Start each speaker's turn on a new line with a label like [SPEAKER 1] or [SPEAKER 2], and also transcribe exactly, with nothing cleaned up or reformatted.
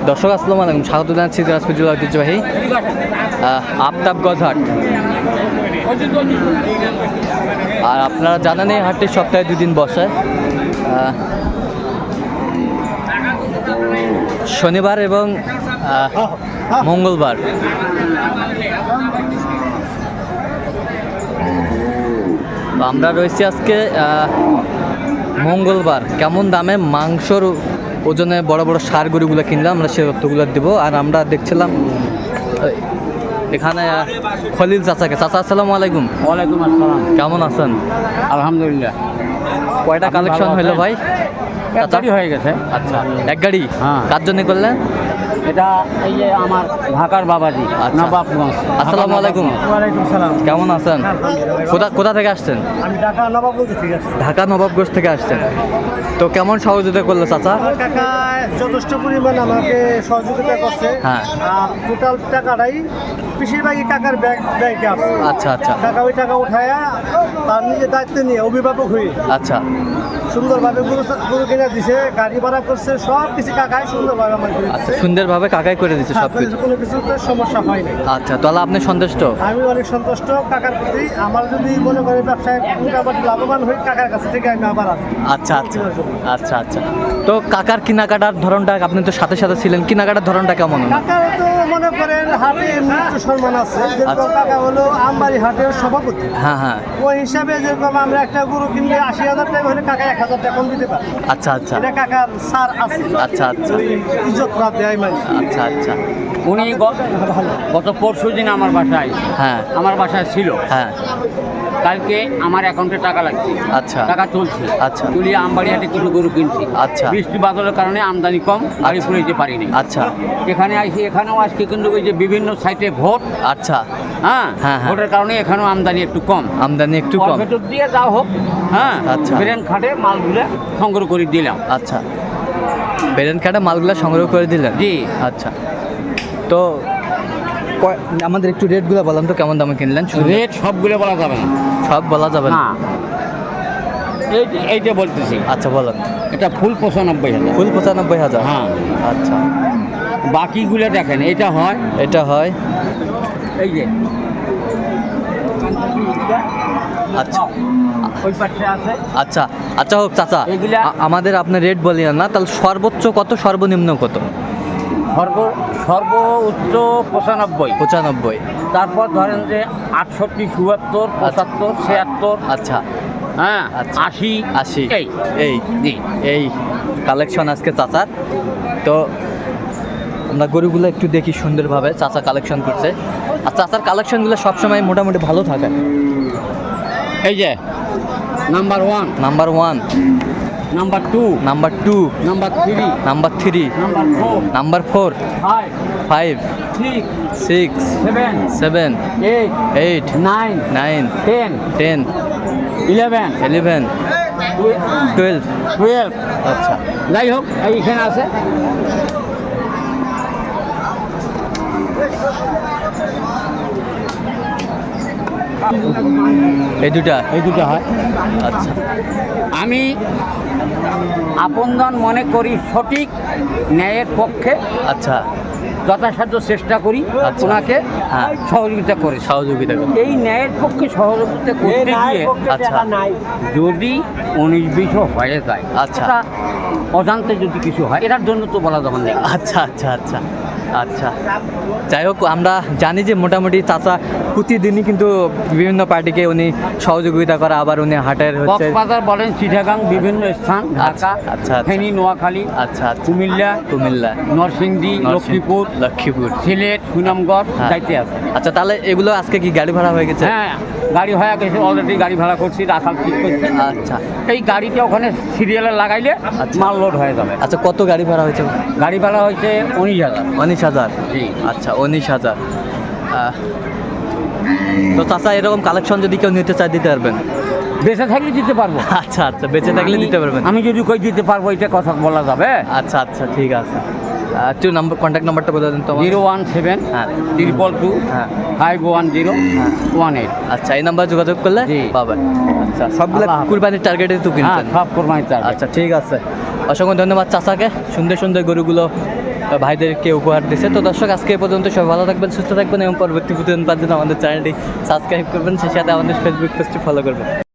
[SPEAKER 1] দর্শক আসসালামু আলাইকুম, স্বাগত জানাচ্ছি দিনাজপুর জেলা ঐতিহ্যবাহী আফতাবগঞ্জ হাট। আর আপনারা জানেন এই হাটটি সপ্তাহে দুদিন বসে, শনিবার এবং মঙ্গলবার। আমরা রয়েছি আজকে মঙ্গলবার। কেমন দামে মাংসর ওজনে বড় বড় সার গরুগুলো কিনলাম আমরা সে তথ্যগুলো দেবো। আর আমরা দেখছিলাম এখানে খলিল চাচাকে। চাচা আসসালামু আলাইকুম।
[SPEAKER 2] ওয়ালাইকুম আসসালাম।
[SPEAKER 1] কেমন আছেন?
[SPEAKER 2] আলহামদুলিল্লাহ।
[SPEAKER 1] কয়টা কালেকশন হইলো ভাই?
[SPEAKER 2] এক গাড়ি হয়ে গেছে।
[SPEAKER 1] আচ্ছা, এক গাড়ি।
[SPEAKER 2] হ্যাঁ।
[SPEAKER 1] কার জন্য করলেন?
[SPEAKER 2] এটা এই যে আমার ঢাকার বাবাজি নবাবগঞ্জ।
[SPEAKER 1] আসসালামু আলাইকুম।
[SPEAKER 2] ওয়ালাইকুম সালাম।
[SPEAKER 1] কেমন আছেন? কোথা কোথা থেকে আসছেন?
[SPEAKER 2] আমি ঢাকা নবাবগঞ্জ থেকে আসছি।
[SPEAKER 1] ঢাকা নবাবগঞ্জ থেকে আসছেন। তো কেমন সহযোগিতা করলো চাচা?
[SPEAKER 2] আমার কাকা যথেষ্ট পরিমাণ আমাকে সহযোগিতা করছে।
[SPEAKER 1] হ্যাঁ।
[SPEAKER 2] আর টোটাল টাকাটাই বেশিরভাগই কাকার ব্যাংক ব্যাংকে আছে।
[SPEAKER 1] আচ্ছা আচ্ছা
[SPEAKER 2] কাকা ওই টাকা উঠায়া তার নিজের দায়িত্ব নিয়ে অভিভাবক হয়ে
[SPEAKER 1] আচ্ছা
[SPEAKER 2] সুন্দরভাবে গরু গরু কিনে দিছে, গাড়ি ভাড়া করছে, সব কিছু কাকাই সুন্দরভাবে আমার করে
[SPEAKER 1] আচ্ছা
[SPEAKER 2] দিছে।
[SPEAKER 1] সুন্দরভাবে কাকাই করে দিচ্ছে সব কিছু।
[SPEAKER 2] কোনো কিছুতে সমস্যা হয় না।
[SPEAKER 1] আচ্ছা, তাহলে আপনি সন্তুষ্ট?
[SPEAKER 2] আমি অনেক সন্তুষ্ট কাকার প্রতি। আমার যদি মনে করে ব্যবসায় মোটামুটি লাভবান হই, কাকার কাছ থেকে আমি আবার আসি।
[SPEAKER 1] আচ্ছা আচ্ছা আচ্ছা আচ্ছা তো কাকার কেনাকাটার ধরনটা, আপনি তো সাথে সাথে ছিলেন, কেনাকাটার ধরনটা কেমন?
[SPEAKER 2] কাকার তো মনে করেন হাটে মৃত্যু সম্মান আছে। যেরকম কাকা হলো আমবাড়ি হাটের সভাপতি।
[SPEAKER 1] হ্যাঁ হ্যাঁ।
[SPEAKER 2] ওই হিসাবে যেরকম আমরা একটা গরু কিনলে আশি হাজার টাকা হলে কাকা এক হাজার টাকা কম দিতে পারে।
[SPEAKER 1] আচ্ছা আচ্ছা
[SPEAKER 2] এটা কাকার সার আছে।
[SPEAKER 1] আচ্ছা আচ্ছা
[SPEAKER 2] ইজ্জত রাত দেয় মানে।
[SPEAKER 1] আচ্ছা আচ্ছা
[SPEAKER 3] উনি গত পরশু দিন আমার বাসায়
[SPEAKER 1] হ্যাঁ
[SPEAKER 3] আমার বাসায় ছিল।
[SPEAKER 1] হ্যাঁ।
[SPEAKER 3] কালকে আমার অ্যাকাউন্টে টাকা লাগছে।
[SPEAKER 1] আচ্ছা
[SPEAKER 3] টাকা চলছে।
[SPEAKER 1] আচ্ছা।
[SPEAKER 3] তুলিয়ে আমবাড়ি হাটে কিছু গরু কিনছি।
[SPEAKER 1] আচ্ছা।
[SPEAKER 3] বৃষ্টি বাদলের কারণে আমদানি কম, গাড়ি ফুলে যেতে পারিনি।
[SPEAKER 1] আচ্ছা।
[SPEAKER 3] এখানে আসি, এখানেও আজকে কিন্তু ওই যে বিভিন্ন সাইটে ভোট।
[SPEAKER 1] আচ্ছা।
[SPEAKER 3] হ্যাঁ
[SPEAKER 1] হ্যাঁ হ্যাঁ।
[SPEAKER 3] ভোটের কারণে এখানেও আমদানি একটু কম।
[SPEAKER 1] আমদানি একটু কম।
[SPEAKER 3] ভেতর দিয়ে যা হোক, হ্যাঁ
[SPEAKER 1] আচ্ছা।
[SPEAKER 3] ব্রেন খাটে মালগুলো সংগ্রহ করে দিলাম।
[SPEAKER 1] আচ্ছা, বেরেন কাটা মালগুলা সংগ্রহ করে দিলেন?
[SPEAKER 3] জি।
[SPEAKER 1] আচ্ছা, তো কয়- আমাদের একটু রেটগুলো বললাম তো, কেমন দামে কিনলেন?
[SPEAKER 3] রেট সবগুলো বলা যাবে না।
[SPEAKER 1] সব বলা যাবে না?
[SPEAKER 3] না, এইটা এইটা বলতেছি।
[SPEAKER 1] আচ্ছা বলেন।
[SPEAKER 3] এটা ফুল পঁচানব্বই হাজার।
[SPEAKER 1] ফুল পঁচানব্বই হাজার?
[SPEAKER 3] হ্যাঁ।
[SPEAKER 1] আচ্ছা,
[SPEAKER 3] বাকিগুলো দেখেন, এটা হয়,
[SPEAKER 1] এটা হয়।
[SPEAKER 3] এই যে
[SPEAKER 1] আচ্ছা
[SPEAKER 3] ওই পাশে আছে।
[SPEAKER 1] আচ্ছা আচ্ছা হোক চাচা,
[SPEAKER 3] এগুলা-
[SPEAKER 1] আ- আমাদের আপনি রেট বলিয়েন না, তাহলে সর্বোচ্চ কত, সর্বনিম্ন কত?
[SPEAKER 3] সর্ব সর্ব উচ্চ পঁচানব্বই।
[SPEAKER 1] পঁচানব্বই।
[SPEAKER 3] তারপর ধরেন যে আটষট্টি, চুয়াত্তর, পঁচাত্তর, ছিয়াত্তর,
[SPEAKER 1] আচ্ছা
[SPEAKER 3] হ্যাঁ
[SPEAKER 1] আচ্ছা।
[SPEAKER 3] আশি,
[SPEAKER 1] আশি।
[SPEAKER 3] এই
[SPEAKER 1] এই
[SPEAKER 3] জি।
[SPEAKER 1] এই কালেকশন আজকে চাচার। তো আমরা গরুগুলো একটু দেখি সুন্দরভাবে, চাচা কালেকশন করছে। আর চাচার কালেকশনগুলো সবসময় মোটামুটি ভালো থাকে।
[SPEAKER 3] এই যে number one,
[SPEAKER 1] number one,
[SPEAKER 3] number two,
[SPEAKER 1] number two,
[SPEAKER 3] number three,
[SPEAKER 1] number three,
[SPEAKER 3] number four,
[SPEAKER 1] number four,
[SPEAKER 3] five,
[SPEAKER 1] five,
[SPEAKER 3] six,
[SPEAKER 1] six,
[SPEAKER 3] seven,
[SPEAKER 1] seven,
[SPEAKER 3] eight,
[SPEAKER 1] eight,
[SPEAKER 3] nine,
[SPEAKER 1] nine,
[SPEAKER 3] ten,
[SPEAKER 1] ten,
[SPEAKER 3] eleven,
[SPEAKER 1] eleven, twelve.
[SPEAKER 3] Twelve.
[SPEAKER 1] আচ্ছা,
[SPEAKER 3] যাই হোক, এইখানে আছে।
[SPEAKER 1] এই দুটা?
[SPEAKER 3] এই দুটো হয়।
[SPEAKER 1] আচ্ছা
[SPEAKER 3] আমি আপনজন মনে করি সঠিক ন্যায়ের পক্ষে
[SPEAKER 1] আচ্ছা
[SPEAKER 3] যথাসাধ্য চেষ্টা করি
[SPEAKER 1] আচ্ছা।
[SPEAKER 3] ওনাকে
[SPEAKER 1] হ্যাঁ।
[SPEAKER 3] সহযোগিতা করে।
[SPEAKER 1] সহযোগিতা করুন।
[SPEAKER 3] এই ন্যায়ের পক্ষে সহযোগিতা করতে গিয়ে
[SPEAKER 1] আচ্ছা
[SPEAKER 3] যদি উনিশ বিশও হয়ে যায়,
[SPEAKER 1] আচ্ছা।
[SPEAKER 3] এটা অজান্তে যদি কিছু হয়, এটার জন্য তো বলা যাবে না।
[SPEAKER 1] আচ্ছা আচ্ছা আচ্ছা আচ্ছা যাই হোক, আমরা জানি যে মোটামুটি চাচা প্রতিদিনই কিন্তু বিভিন্ন পার্টিকে উনি সহযোগিতা করে, আবার উনি হাটের হচ্ছে।
[SPEAKER 3] কক্সবাজার বলেন, চিটাগাং, বিভিন্ন স্থান,
[SPEAKER 1] আচ্ছা,
[SPEAKER 3] ঢাকা,
[SPEAKER 1] আচ্ছা, আচ্ছা।
[SPEAKER 3] ফেনী, নোয়াখালী,
[SPEAKER 1] আচ্ছা আচ্ছা।
[SPEAKER 3] কুমিল্লা,
[SPEAKER 1] কুমিল্লা,
[SPEAKER 3] নরসিংদী,
[SPEAKER 1] নরসিংদী,
[SPEAKER 3] লক্ষ্মীপুর,
[SPEAKER 1] লক্ষ্মীপুর,
[SPEAKER 3] সিলেট, সুনামগঞ্জ
[SPEAKER 1] হ্যাঁ।
[SPEAKER 3] যাইতে আছে।
[SPEAKER 1] আচ্ছা, তাহলে এগুলো আজকে কি গাড়ি ভাড়া হয়ে গেছে?
[SPEAKER 3] হ্যাঁ, গাড়ি হয়ে গেছে, অলরেডি গাড়ি ভাড়া করছি, রাখাল ঠিক করছি।
[SPEAKER 1] আচ্ছা
[SPEAKER 3] এই গাড়িটা ওখানে সিরিয়ালে লাগাইলে
[SPEAKER 1] আচ্ছা।
[SPEAKER 3] মাল লোড হয়ে যাবে।
[SPEAKER 1] আচ্ছা, কত গাড়ি ভাড়া হয়েছে?
[SPEAKER 3] গাড়ি ভাড়া হয়েছে উনিশ হাজার।
[SPEAKER 1] উনিশ হাজার?
[SPEAKER 3] জি।
[SPEAKER 1] আচ্ছা, উনিশ হাজার। আহ, তো চাচা এরকম কালেকশন যদি কেউ নিতে চায় দিতে পারবেন?
[SPEAKER 3] বেঁচে থাকলে দিতে পারবো।
[SPEAKER 1] আচ্ছা আচ্ছা, বেঁচে থাকলে
[SPEAKER 3] আমি-
[SPEAKER 1] দিতে পারবেন?
[SPEAKER 3] আমি যদি কই দিতে পারবো, এটা কথা বলা যাবে?
[SPEAKER 1] আচ্ছা আচ্ছা, ঠিক আছে। আহ, একটু নাম্বার, কন্ট্যাক্ট নাম্বারটা বলে দিন তো আমার।
[SPEAKER 3] জিরো ওয়ান সেভেন
[SPEAKER 1] হ্যাঁ।
[SPEAKER 3] ট্রিপল টু
[SPEAKER 1] হ্যাঁ।
[SPEAKER 3] ফাইভ ওয়ান জিরো
[SPEAKER 1] হ্যাঁ।
[SPEAKER 3] One eight.
[SPEAKER 1] আচ্ছা, এই নাম্বার যোগাযোগ করলে
[SPEAKER 3] জি।
[SPEAKER 1] পাবেন। আচ্ছা, সবগুলো
[SPEAKER 3] আল্লাহ হাফেজ।
[SPEAKER 1] কুরবানির টার্গেটে তো
[SPEAKER 3] হ্যাঁ,
[SPEAKER 1] কিনছেন?
[SPEAKER 3] সব কোরবানি চাল।
[SPEAKER 1] আচ্ছা, ঠিক আছে। অসংখ্য ধন্যবাদ চাচাকে, সুন্দর সুন্দর গরুগুলো ভাইদেরকে উপহার দিছে। তো দর্শক আজকে এ পর্যন্ত, সবাই ভালো থাকবেন, সুস্থ থাকবেন এবং পরবর্তী প্রতিদিন পাওয়ার জন্য আমাদের চ্যানেলটি সাবস্ক্রাইব করবেন, সেই সাথে আমাদের ফেসবুক পেজটি ফলো করবেন।